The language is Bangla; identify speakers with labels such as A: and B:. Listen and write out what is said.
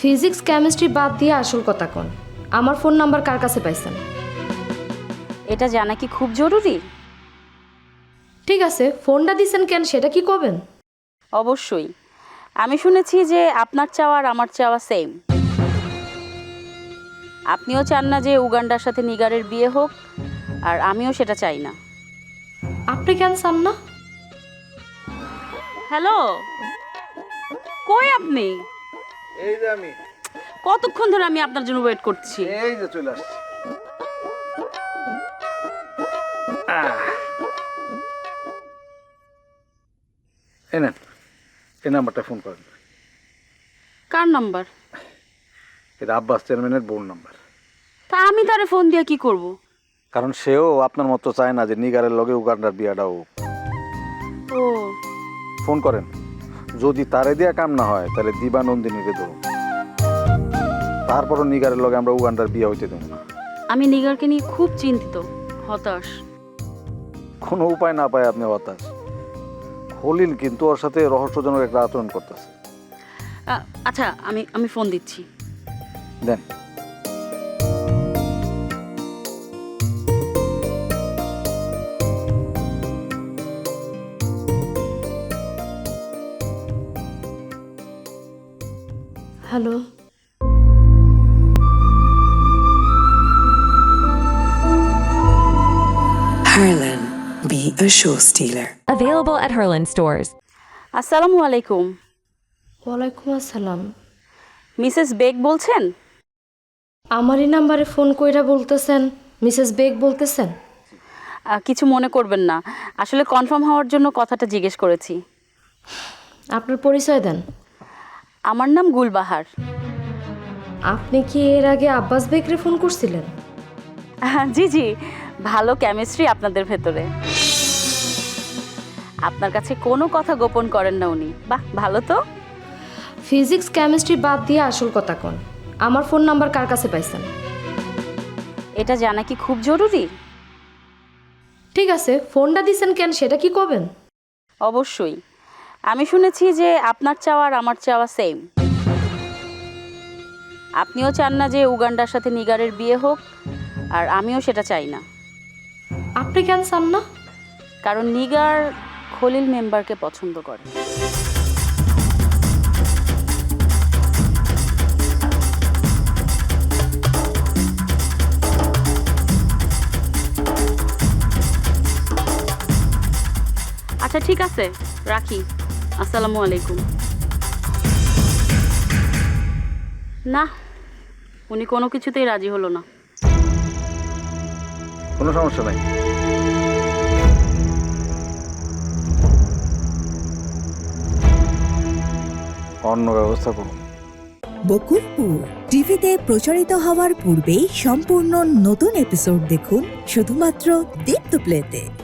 A: ফিজিক্স কেমিস্ট্রি বাদ দিয়ে আসল কথা কোন, আমার ফোন নাম্বার কার কাছে পাইছেন?
B: এটা জানা কি খুব জরুরি?
A: ঠিক আছে, ফোনটা দিছেন কেন সেটা কি করবেন?
B: অবশ্যই। আমি শুনেছি যে আপনার চাওয়া আর আমার চাওয়া সেম। আপনিও চান না যে উগান্ডার সাথে নিগারের বিয়ে হোক, আর আমিও সেটা চাই না।
A: আপনি কেন চান না?
B: হ্যালো, কই আপনি?
C: এই যে আমি,
B: কতক্ষণ ধরে আমি আপনার জন্য ওয়েট করছি।
C: এই যে চলে আসছি। এই নেন, এই নাম্বারটা ফোন করেন।
B: কার নাম্বার?
C: এটা আব্বাস চেয়ারম্যানের বোন নাম্বার।
B: তা আমি তারে ফোন দিয়ে কি করব?
C: কারণ সেও আপনার মতো চায় না যে নিগারের লগে উগান্ডার বিয়াটা হোক।
B: ও,
C: ফোন করেন, যদি তারে দিয়া কাম না হয় তাহলে দিবা নন্দিনীকে ধরুন। তারপরও নিগারের লগে আমরা উগান্ডার বিয়া হইতে দেব না।
B: আমি নিগারকে নিয়ে খুব চিন্তিত, হতাশ।
C: কোনো উপায় না পায় আপনি হতাশ। খলিল কিন্তু ওর সাথে রহস্যজনক একটা আচরণ করতেছে।
B: আচ্ছা, আমি ফোন দিচ্ছি।
C: দেন।
A: Hello,
D: Harlan, be a show stealer.
E: Available at Herland stores.
B: আসসালামু আলাইকুম।
A: ওয়ালাইকুম আসসালাম।
B: মিসেস বেগ বলছেন?
A: আমারই নাম্বারে ফোন কইরা বলতেছেন মিসেস বেগ বলতেছেন?
B: কিছু মনে করবেন না, আসলে কনফার্ম হওয়ার জন্য কথাটা জিজ্ঞেস করেছি।
A: আপনার পরিচয় দেন।
B: আমার নাম গুলবাহার।
A: আপনি কি এর আগে আব্বাস বেগরে ফোন করছিলেন?
B: জি জি, ভালো কেমিস্ট্রি আপনাদের ভেতরে। আপনার কাছে কোনো কথা গোপন করেন না উনি। বাহ, ভালো তো।
A: ফিজিক্স কেমিস্ট্রি বাদ দিয়ে আসল কথা কোন, আমার ফোন নাম্বার কার কাছে পাইছেন?
B: এটা জানা কি খুব জরুরি?
A: ঠিক আছে, ফোনটা দিছেন কেন সেটা কি করবেন?
B: অবশ্যই। আমি শুনেছি যে আপনার চাওয়া আর আমার চাওয়া সেম। আপনিও চান না যে উগান্ডার সাথে নিগারের বিয়ে হোক, আর আমিও সেটা চাই না।
A: আপনি কেন চান না?
B: কারণ নিগার খলিল মেম্বারকে পছন্দ করে। আচ্ছা ঠিক আছে, রাখি। আসসালামু আলাইকুম। না, উনি কোনো কিছুতেই রাজি হলো না।
C: কোনো সমস্যা নাই। অন্য ব্যবস্থা করুন।
F: বকুলপুর টিভিতে প্রচারিত হওয়ার পূর্বেই সম্পূর্ণ নতুন এপিসোড দেখুন শুধুমাত্র দীপ্ত প্লেতে।